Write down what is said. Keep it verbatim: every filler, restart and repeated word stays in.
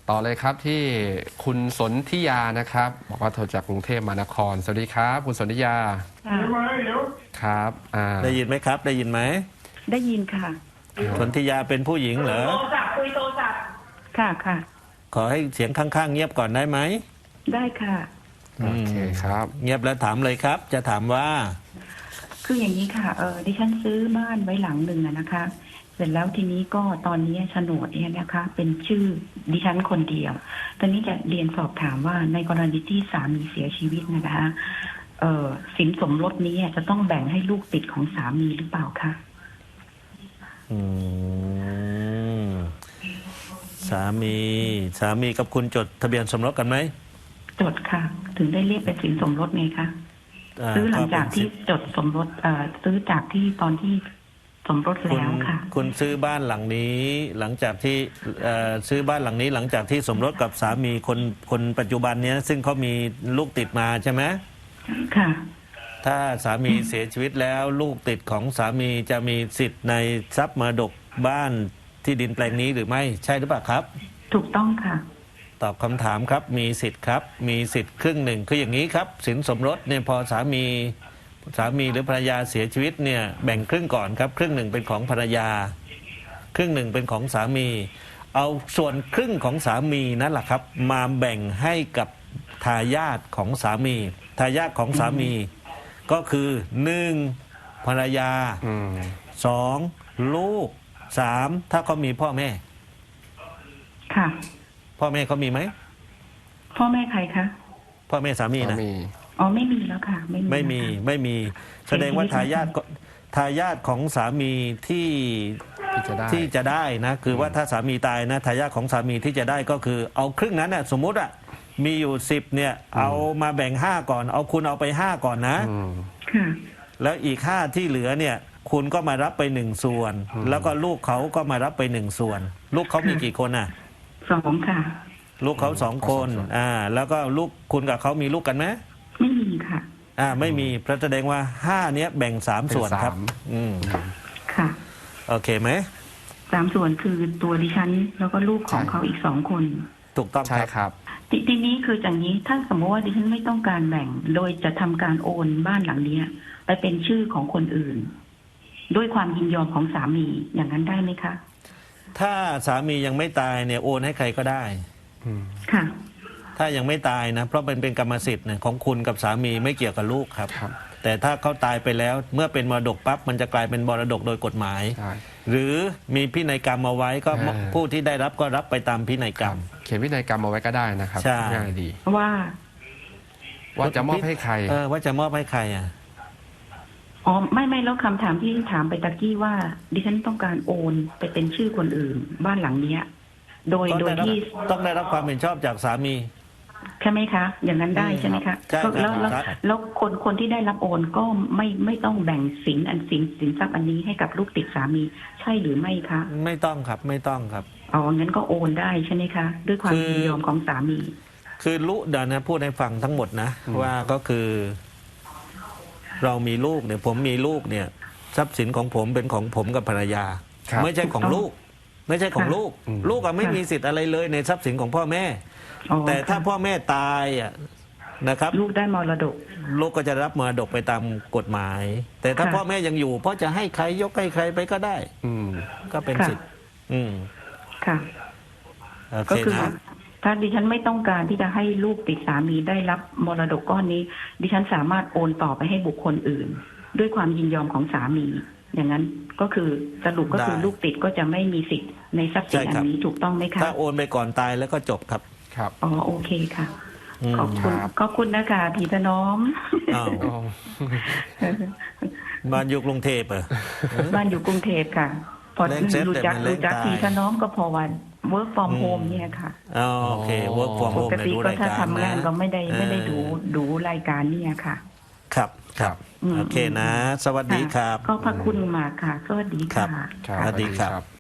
ต่อเลยครับที่คุณสนธิยานะครับบอกว่าโทรจากกรุงเทพมหานครสวัสดีครับคุณสนธิยาครับอ่าได้ยินไหมครับได้ยินไหมได้ยินค่ะสนธิยาเป็นผู้หญิงเหรอโทรศัพท์คุยโทรศัพท์ค่ะค่ะขอให้เสียงข้างๆเงียบก่อนได้ไหมได้ค่ะโอเคครับเงียบแล้วถามเลยครับจะถามว่าคืออย่างนี้ค่ะเออดิฉันซื้อบ้านไว้หลังหนึ่งนะคะเสร็จแล้วทีนี้ก็ตอนนี้โฉนดเนี่ยนะคะเป็นชื่อดิฉันคนเดียวตอนนี้จะเรียนสอบถามว่าในกรณีที่สามีเสียชีวิตนะคะเออสินสมรสนี้จะต้องแบ่งให้ลูกติดของสามีหรือเปล่าคะอืมสามีสามีกับคุณจดทะเบียนสมรสกันไหมจดค่ะถึงได้เรียกเป็นสินสมรสไงคะซื้อหลังจากที่จดสมรสเอ่อซื้อจากที่ตอนที่สมรสแล้วค่ะคุณซื้อบ้านหลังนี้หลังจากที่ซื้อบ้านหลังนี้หลังจากที่สมรสกับสามีคนคนปัจจุบันเนี้ยซึ่งเขามีลูกติดมาใช่ไหมค่ะถ้าสามีเสียชีวิตแล้วลูกติดของสามีจะมีสิทธิ์ในทรัพย์มรดกบ้านที่ดินแปลงนี้หรือไม่ใช่หรือเปล่าครับถูกต้องค่ะตอบคำถามครับมีสิทธิ์ครับมีสิทธิ์ครึ่งหนึ่งคืออย่างนี้ครับสินสมรสเนี่ยพอสามีสามีหรือภรรยาเสียชีวิตเนี่ยแบ่งครึ่งก่อนครับครึ่งหนึ่งเป็นของภรรยาครึ่งหนึ่งเป็นของสามีเอาส่วนครึ่งของสามีนั่นแหละครับมาแบ่งให้กับทายาทของสามีทายาทของสามีก็คือหนึ่งภรรยาสองลูกสามถ้าเขามีพ่อแม่ค่ะพ่อแม่เขามีไหมพ่อแม่ใครคะพ่อแม่สามีนะอ๋อไม่มีแล้วค่ะไม่มีไม่มีไม่มีแสดงว่าทายาททายาทของสามีที่ที่จะได้นะคือว่าถ้าสามีตายนะทายาทของสามีที่จะได้ก็คือเอาครึ่งนั้นน่ะสมมุติอ่ะมีอยู่สิบเนี่ยเอามาแบ่งห้าก่อนเอาคุณเอาไปห้าก่อนนะแล้วอีกห้าที่เหลือเนี่ยคุณก็มารับไปหนึ่งส่วนแล้วก็ลูกเขาก็มารับไปหนึ่งส่วนลูกเขามีกี่คนอ่ะสองค่ะลูกเขาสองคนอ่าแล้วก็ลูกคุณกับเขามีลูกกันไหมไม่มีค่ะอ่าไม่มีเพราะแสดงว่าห้าเนี้ยแบ่งสามส่วนครับอืมค่ะโอเคไหมสามส่วนคือตัวดิฉันแล้วก็ลูกของเขาอีกสองคนถูกต้องใช่ครับทีนี้คืออย่างนี้ถ้าสมมติว่าดิฉันไม่ต้องการแบ่งโดยจะทำการโอนบ้านหลังนี้ไปเป็นชื่อของคนอื่นด้วยความยินยอมของสามีอย่างนั้นได้ไหมคะถ้าสามียังไม่ตายเนี่ยโอนให้ใครก็ได้ค่ะถ้ายังไม่ตายนะเพราะเป็นเป็นกรรมสิทธิ์เนี่ยของคุณกับสามีไม่เกี่ยวกับลูกครับแต่ถ้าเขาตายไปแล้วเมื่อเป็นมรดกปั๊บมันจะกลายเป็นมรดกโดยกฎหมายหรือมีพินัยกรรมเอาไว้ก็ผู้ที่ได้รับก็รับไปตามพินัยกรรมเขียนพินัยกรรมเอาไว้ก็ได้นะครับง่ายดีว่าว่าจะมอบให้ใครเออว่าจะมอบให้ใครอ่ะอ๋อไม่ไม่แล้วคำถามที่ถามไปตะกี้ว่าดิฉันต้องการโอนไปเป็นชื่อคนอื่นบ้านหลังเนี้ยโดยโดยที่ต้องได้รับความเห็นชอบจากสามีใช่ไหมคะอย่างนั้นได้ใช่ไหมคะแล้วแล้วแล้วคนคนที่ได้รับโอนก็ไม่ไม่ต้องแบ่งสินอันสินสินทรัพย์อันนี้ให้กับลูกติดสามีใช่หรือไม่คะไม่ต้องครับไม่ต้องครับอ๋องั้นก็โอนได้ใช่ไหมคะด้วยความยินยอมของสามีคือลูกเดี๋ยวนะพูดให้ฟังทั้งหมดนะว่าก็คือเรามีลูกเนี่ยผมมีลูกเนี่ยทรัพย์สินของผมเป็นของผมกับภรรยาไม่ใช่ของลูกไม่ใช่ของลูกลูกอะไม่มีสิทธิ์อะไรเลยในทรัพย์สินของพ่อแม่แต่ถ้าพ่อแม่ตายอ่ะนะครับลูกได้มรดกลูกก็จะรับมรดกไปตามกฎหมายแต่ถ้าพ่อแม่ยังอยู่พ่อจะให้ใครยกให้ใครไปก็ได้อืมก็เป็นสิทธิ์อืมค่ะก็คือถ้าดิฉันไม่ต้องการที่จะให้ลูกติดสามีได้รับมรดกก้อนนี้ดิฉันสามารถโอนต่อไปให้บุคคลอื่นด้วยความยินยอมของสามีอย่างนั้นก็คือสรุปก็คือลูกติดก็จะไม่มีสิทธิ์ในทรัพย์สินอันนี้ถูกต้องไหมคะถ้าโอนไปก่อนตายแล้วก็จบครับครับอ๋อโอเคค่ะขอบคุณขอบคุณนะคะพี่ถนอมบ้านอยู่กรุงเทพเหรอบ้านอยู่กรุงเทพค่ะพอรู้จักรู้จักพี่ถนอมก็พอวันwork from home เนี่ยค่ะโอเค work from home ปกติก็ถ้าทำงานก็ไม่ได้ไม่ได้ดูดูรายการเนี่ยค่ะครับครับโอเคนะสวัสดีครับก็ขอบคุณมากค่ะสวัสดีค่ะสวัสดีครับ